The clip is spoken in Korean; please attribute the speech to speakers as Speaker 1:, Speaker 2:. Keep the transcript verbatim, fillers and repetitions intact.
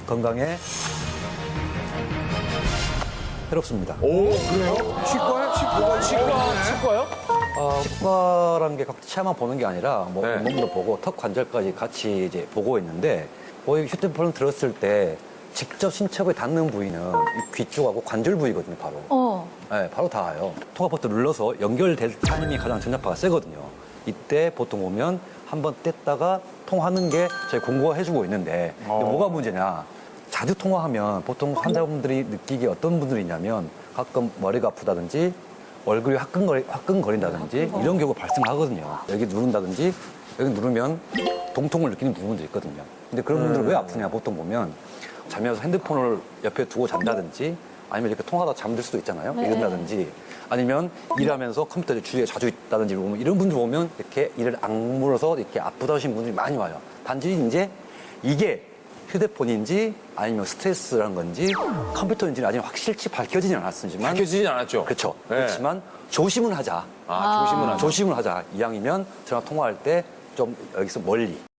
Speaker 1: 건강에 해롭습니다.
Speaker 2: 오, 그래요? 치과에? 치과가 치과.
Speaker 3: 치과요?
Speaker 1: 어, 치과라는 게 각 치아만 보는 게 아니라 뭐
Speaker 2: 네.
Speaker 1: 몸도 보고 턱 관절까지 같이 이제 보고 있는데 거의 휴대폰을 들었을 때 직접 신체부에 닿는 부위는 이 귀 쪽하고 관절 부위거든요, 바로.
Speaker 4: 어.
Speaker 1: 네, 바로 닿아요. 통화 버튼 눌러서 연결될 타임이 가장 전자파가 세거든요. 이때 보통 보면 한번 뗐다가 통화하는 게 저희 공고가 해주고 있는데 이게
Speaker 2: 어.
Speaker 1: 뭐가 문제냐? 자주 통화하면 보통 환자분들이 느끼기에 어떤 분들이 있냐면 가끔 머리가 아프다든지 얼굴이 화끈거리, 화끈거린다든지 이런 경우가 발생하거든요. 여기 누른다든지 여기 누르면 동통을 느끼는 부분도 있거든요. 근데 그런 분들은 왜 아프냐 보통 보면 자면서 핸드폰을 옆에 두고 잔다든지 아니면 이렇게 통화하다 잠들 수도 있잖아요.
Speaker 4: 네.
Speaker 1: 이런다든지 아니면 일하면서 컴퓨터 주위에 자주 있다든지 보면 이런 분들 보면 이렇게 이를 악물어서 이렇게 아프다 하시는 분들이 많이 와요. 단지 이제 이게 휴대폰인지 아니면 스트레스란 건지 컴퓨터인지는 아직 확실치 밝혀지진 않았지만
Speaker 2: 밝혀지진 않았죠?
Speaker 1: 그렇죠.
Speaker 2: 네.
Speaker 1: 그렇지만 조심은 하자.
Speaker 2: 아, 조심은 하죠.
Speaker 1: 조심을 하자. 이왕이면 전화 통화할 때 좀 여기서 멀리